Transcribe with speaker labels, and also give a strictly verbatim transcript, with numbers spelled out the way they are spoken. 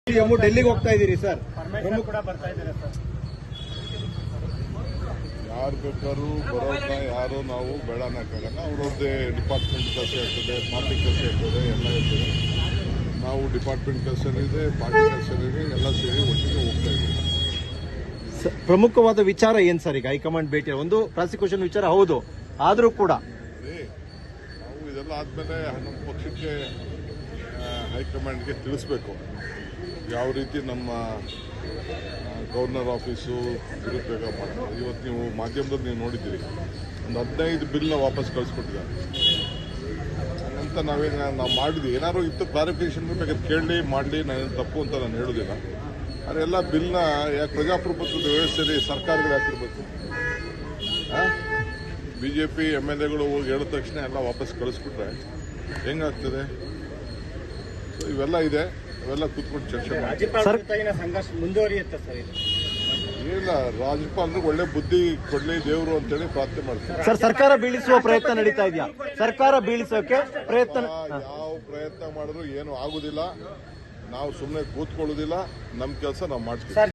Speaker 1: CM ಡೆಲ್ಲಿಗೆ ಹೋಗ್ತಾ ಇದ್ದೀರಿ ಸರ್, ಪ್ರಮುಖ
Speaker 2: ಕೂಡ ಬರ್ತಾ ಇದ್ದಾರೆ ಸರ್.
Speaker 3: ಯಾರು ಬೇಕಾದ್ರೂ ಬರೋದನ್ನ ಯಾರು ನಾವು ಬೇಡ ಅನ್ನಕ್ಕಾಗಲ್ಲ. ಅವ್ರದ್ದೇ ಡಿಪಾರ್ಟ್ಮೆಂಟ್ ಕೆಲಸ ಇರ್ತದೆ, ಪಾರ್ಟಿ ಕೆಲಸ ಇರ್ತದೆ, ಎಲ್ಲ ಇರ್ತದೆ. ನಾವು ಡಿಪಾರ್ಟ್ಮೆಂಟ್ ಕೆಲಸ ಇದೆ, ಪಾರ್ಟಿ ಕೆಲಸ ಇದೆ, ಎಲ್ಲ ಸೇರಿ ಒಟ್ಟಿಗೆ ಹೋಗ್ತಾ ಇದ್ದೀವಿ.
Speaker 1: ಪ್ರಮುಖವಾದ ವಿಚಾರ ಏನ್ ಸರ್ ಈಗ ಹೈಕಮಾಂಡ್ ಭೇಟಿ? ಒಂದು ಪ್ರಾಸಿಕ್ಯೂಷನ್ ವಿಚಾರ ಹೌದು, ಆದ್ರೂ ಕೂಡ
Speaker 3: ನಾವು ಇದೆಲ್ಲ ಆದ್ಮೇಲೆ ನಮ್ಮ ಪಕ್ಷಕ್ಕೆ ಹೈಕಮಾಂಡ್ಗೆ ತಿಳಿಸ್ಬೇಕು ಯಾವ ರೀತಿ ನಮ್ಮ ಗವರ್ನರ್ ಆಫೀಸು ದುರುಪಯೋಗ ಮಾಡ್ತಾರೆ. ಇವತ್ತು ನೀವು ಮಾಧ್ಯಮದಲ್ಲಿ ನೀವು ನೋಡಿದ್ದೀರಿ, ಒಂದು ಹದಿನೈದು ಬಿಲ್ನ ವಾಪಸ್ ಕಳಿಸ್ಕೊಟ್ಟಿದ್ದಾರೆ ಅಂತ. ನಾವೇನು ನಾವು ಮಾಡಿದ್ವಿ, ಏನಾದ್ರು ಇತ್ತು ಕ್ಲಾರಿಫಿಕೇಶನ್ ಬೇಕಾದ್ರೆ ಕೇಳಲಿ ಮಾಡಲಿ, ನಾನೇನು ತಪ್ಪು ಅಂತ ನಾನು ಹೇಳೋದಿಲ್ಲ. ಆದರೆ ಎಲ್ಲ ಬಿಲ್ನ ಯಾಕೆ ಪ್ರಜಾಪ್ರಭುತ್ವದ ವ್ಯವಸ್ಥೆಯಲ್ಲಿ ಸರ್ಕಾರಗಳು ಯಾಕಿರ್ಬೇಕು? B J P M L ಎಗಳು ಹೋಗಿ ಹೇಳಿದ ತಕ್ಷಣ ಎಲ್ಲ ವಾಪಸ್ ಕಳಿಸ್ಬಿಟ್ರೆ ಹೆಂಗಾಗ್ತದೆ? ಸೊ ಇವೆಲ್ಲ ಇದೆ, ಇವೆಲ್ಲ ಕೂತ್ಕೊಂಡು ಚರ್ಚೆ ಮಾಡಿ.
Speaker 2: ಸಂಘರ್ಷ ಮುಂದುವರಿಯುತ್ತೆ ಸರ್.
Speaker 3: ಏನಿಲ್ಲ, ರಾಜ್ಯಪಾಲರಿಗೆ ಒಳ್ಳೆ ಬುದ್ಧಿ ಕೊಡ್ಲಿ ದೇವರು ಅಂತೇಳಿ ಪ್ರಾರ್ಥನೆ ಮಾಡ್ತಾರೆ.
Speaker 1: ಸರ್, ಸರ್ಕಾರ ಬೀಳಿಸುವ ಪ್ರಯತ್ನ ನಡೀತಾ ಇದೆಯಾ? ಸರ್ಕಾರ ಬೀಳಿಸೋಕೆ ಪ್ರಯತ್ನ
Speaker 3: ಯಾವ ಪ್ರಯತ್ನ ಮಾಡಿದ್ರು ಏನು ಆಗುದಿಲ್ಲ. ನಾವು ಸುಮ್ಮನೆ ಕೂತ್ಕೊಳ್ಳೋದಿಲ್ಲ, ನಮ್ಮ ಕೆಲಸ ನಾವು ಮಾಡ್ತೀವಿ.